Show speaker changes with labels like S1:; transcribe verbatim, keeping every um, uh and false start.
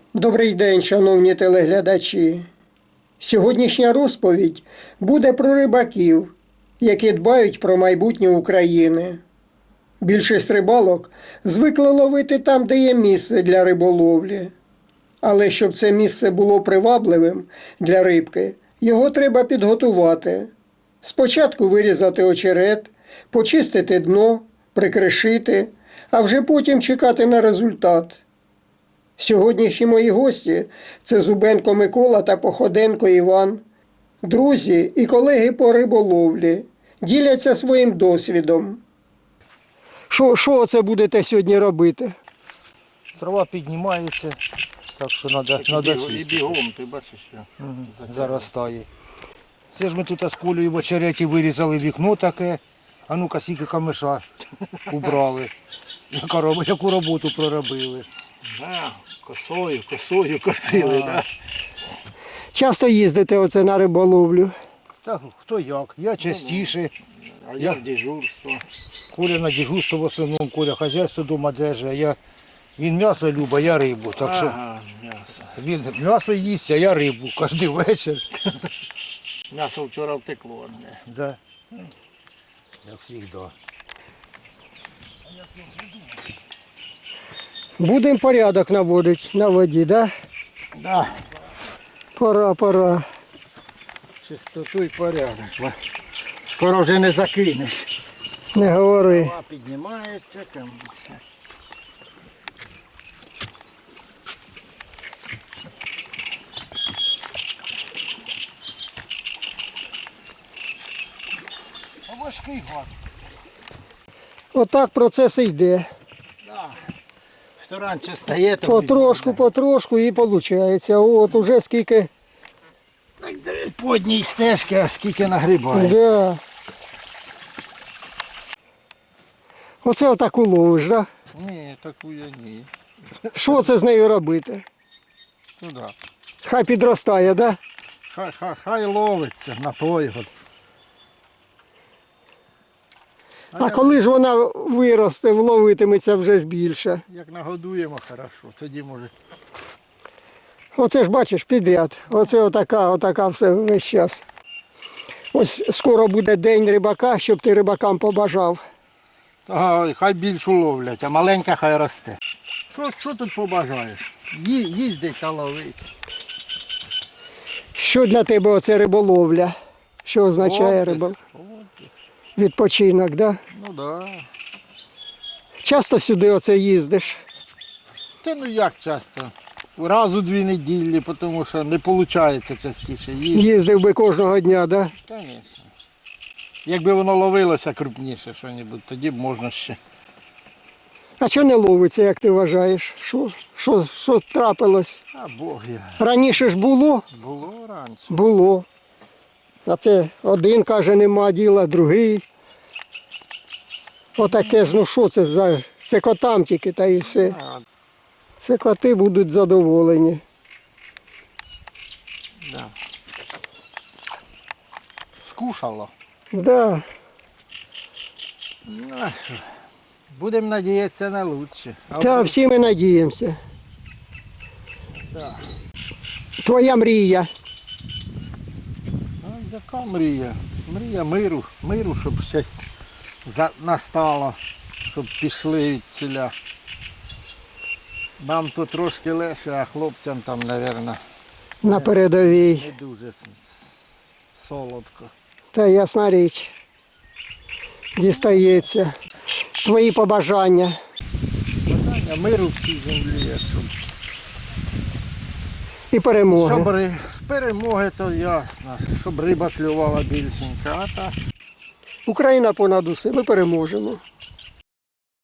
S1: Добрий день, шановні телеглядачі. Сьогоднішня розповідь буде про рибаків, які дбають про майбутнє України. Більшість рибалок звикли ловити там, де є місце для риболовлі. Але щоб це місце було привабливим для рибки, його треба підготувати. Спочатку вирізати очерет, почистити дно, прикришити, а вже потім чекати на результат. Сьогоднішні мої гості – це Зубенко Микола та Походенко Іван. Друзі і колеги по риболовлі діляться своїм досвідом. Що, що це будете сьогодні робити?
S2: Трава піднімається, так що треба, треба
S3: І
S2: чистити.
S3: бігом, ти бачиш, що
S2: Угу. Заростає. Це ж ми тут з Колею в очереті вирізали вікно таке, а ну-ка скільки камиша убрали. Яка роб- Яку роботу проробили.
S3: да, косою, косою косили, да?
S1: Часто їздите оце на риболовлю?
S2: Так хто як, я частіше.
S3: А я в дежурство.
S2: Коля на дежурство в основному, Коля хазяйство вдома держить, а я, він м'ясо любить, а я рибу. Так що
S3: Ага, м'ясо.
S2: він м'ясо їсть, а я рибу кожен вечір.
S3: М'ясо вчора втекло одне.
S2: Да. Як завжди.
S1: Будемо порядок наводити на воді, да?
S3: Да.
S1: Пора, пора.
S3: Чистоту і порядок. Скоро вже не закинеш.
S1: Не говори.
S3: Трава піднімається, там все.
S2: А важкий гад.
S1: Отак процес і йде.
S3: Да. Хто раніше стає, то
S1: Потрошку, потрошку і виходить. От уже скільки.
S3: по одній стежці, а скільки нагрібає.
S1: Да. Оце отак уловиш, да?
S3: Ні, таку я ні.
S1: Що це з нею робити?
S3: Туди.
S1: Хай підростає, да?
S3: Хай, хай, хай ловиться на той год.
S1: А коли ж вона виросте, вловитиметься вже ж більше.
S3: Як нагодуємо хорошо, тоді може.
S1: Оце ж бачиш підряд. Оце отака, отака все весь час. Ось скоро буде день рибака, щоб ти рибакам побажав.
S3: Ага, хай більшу ловлять, а маленька хай росте. Що, що тут побажаєш? Ї, їздить та ловить.
S1: Що для тебе оце риболовля? Що означає
S3: Отдих.
S1: рибол? Відпочинок, да?
S3: Ну да.
S1: Часто сюди оце їздиш?
S3: Та ну як часто? Раз у дві неділі, тому що не виходить частіше їздити.
S1: Їздив би кожного дня, да?
S3: Звісно. Якби воно ловилося крупніше що-небудь, тоді б можна ще.
S1: А що не ловиться, як ти вважаєш? Що, що, що трапилось?
S3: А Бог я.
S1: Раніше ж було?
S3: Було раніше.
S1: Було. А це один каже, нема діла, другий. Отаке ж, ну що це за... Це котам тільки та і все.
S3: А,
S1: Це коти будуть задоволені.
S3: да. Скушало.
S1: Да.
S3: Ну, а що? Будемо надіятися на краще. А
S1: Та
S3: от-
S1: всі ми надіємося.
S3: Да.
S1: Твоя мрія.
S3: Ну, яка мрія? Мрія миру, миру, щоб щось за- настало, щоб пішли від ціля. Нам тут трошки легше, а хлопцям там, мабуть,
S1: На передовій.
S3: не дуже с- с- солодко.
S1: Та ясна річ. Дістається. Твої побажання.
S3: Бажання миру в цій землі, щоб,
S1: І перемоги.
S3: щоб ри- перемоги, то ясно, щоб риба клювала більшенька, а так.
S1: Україна понад усе, ми переможемо.